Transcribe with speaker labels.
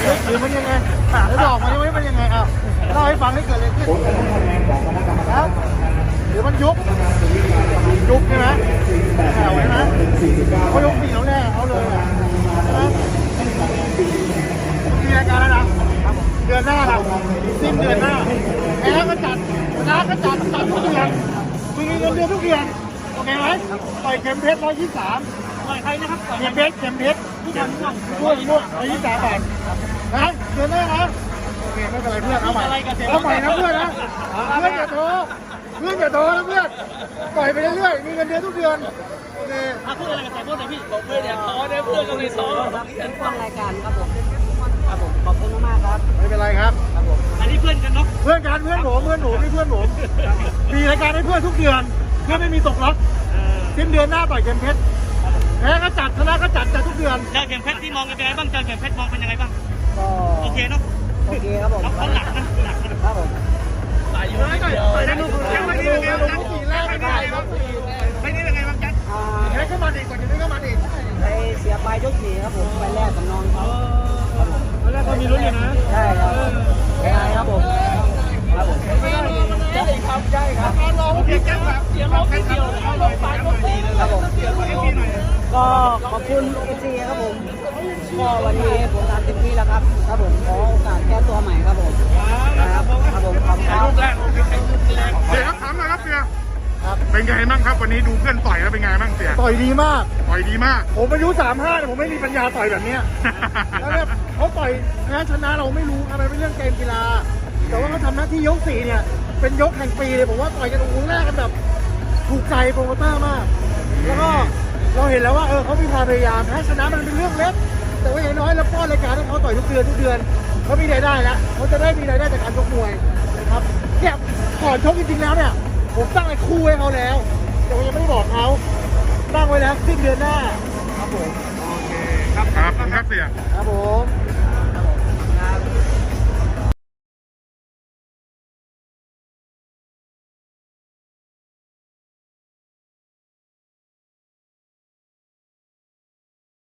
Speaker 1: หรือมันยังไงแล้วดอกมันมันยังไงอ้าวเล่าให้ฟังให้เกิดอะไรขึ้นครับหรือมันยุบใช่ไหมแถวใช่ไหมเขายกปีแล้วแน่เขาเลยใช่ไหมมีรายการแล้วนะเดือนหน้าเราสิ้นเดือนหน้าแพ้ก็จัดชนะก็จัดทุกเดือนมีเงินเดือนทุกเดือนโอเคไหมต่อยเข็มเพชร123ต่อยใครนะครับเข็มเพชรม่วง123 บาทนะเดือนหน้านะโอเคไม่เป็นไรเพื่อนเอาใหม่นะเพื่อนนะเพื่อนอย่าโตนะเพื่อนปล่อยไปเรื่อยๆมีเงินเดือนทุกเดือนโอเค
Speaker 2: พูดอะไรกับสายพูดหน่อยพี่บอกเพื่อนอย่าท้อนะเพื่อนก็ไม่ท้อครับ
Speaker 3: เป็นฟังรายการครับผมขอบคุณมากครับ
Speaker 1: ไม่เป็นไรครับ
Speaker 2: อันนี้เพื่อนกันเนาะ
Speaker 1: เพื่อนกันเพื่อนผมนี่เพื่อนผมมีรายการให้เพื่อนทุกเดือนเพื่อนไม่มีตกล็อกสิ้นเดือนหน้าต่อยเข็มเพชรแพ้ก็จัดชนะก็จัดทุกเดือน
Speaker 2: เจอเข็มเพชรที่มองเป็นยังไงบ้างเจอเข็มเพชรมองเป็นยังไงบ้าง
Speaker 3: ก็
Speaker 2: โอเคเนาะ
Speaker 3: โอเคครับผม
Speaker 2: เขาหนัก
Speaker 3: ครับผม
Speaker 2: สายอยู่ไม่ได้ไม่ได้ไม่ได้ไม่ได้ยังไงบ้างจัด
Speaker 1: แพ้เข้ามาดีกว่าจะได้เข้ามาดี
Speaker 3: ไปเสียไปยก4ครับผมไปแรกกับน้องเขา
Speaker 2: แล้วก็มีลุ้นอยู่นะ
Speaker 3: ใช่ครับใช่ครับผม
Speaker 2: ใช่ครับรอเพียงแค่แบบเสียงร้องเดียวเอาลงไปก็ตีเลย
Speaker 3: ครับผมก็ขอบคุณเอซีครับผมก็วันนี้ผมทำเต็มที่แล้วครับครับผมขอโอกาสแก้ตัวใหม่ครับผมครับผมขอบคุณครับ
Speaker 4: เสียครับถามหน่อยครับเสียเป็นไงบ้างครับวันนี้ดูเพื่อนต่อยแล้วเป็นไงบ้างเสีย
Speaker 1: ต่อยดีมากผมอายุ35แต่ผมไม่มีปัญญาต่อยแบบนี้แล้วเนี่ยเขาต่อยแพ้ชนะเราไม่รู้อะไรเป็นเรื่องเกมกีฬาแต่ว่าเขาทำหน้าที่ยก4เนี่ยเป็นยกแห่งปีเลยผมว่าต่อยกันตรงแรกกันแบบถูกใจโปรโมเตอร์มากแล้วก็เราเห็นแล้วว่าเขามีความพยายามแพ้ชนะมันเป็นเรื่องเล็กแต่ว่าอย่างน้อยเราป้อนรายการให้เขาต่อยทุกเดือนเขามีรายได้แล้วเขาจะได้มีรายได้จากการชกมวยนะครับเนี่ยก่อนชกจริงๆแล้วเนี่ยผมตั้งไอ้คู่ให้เขาแล้วแต่ผมยังไม่ได้บอกเขาตั้งไว้แล้วสิ้นเดือนหน้าครับผม
Speaker 4: โอเคครับเสีย
Speaker 1: ครับผม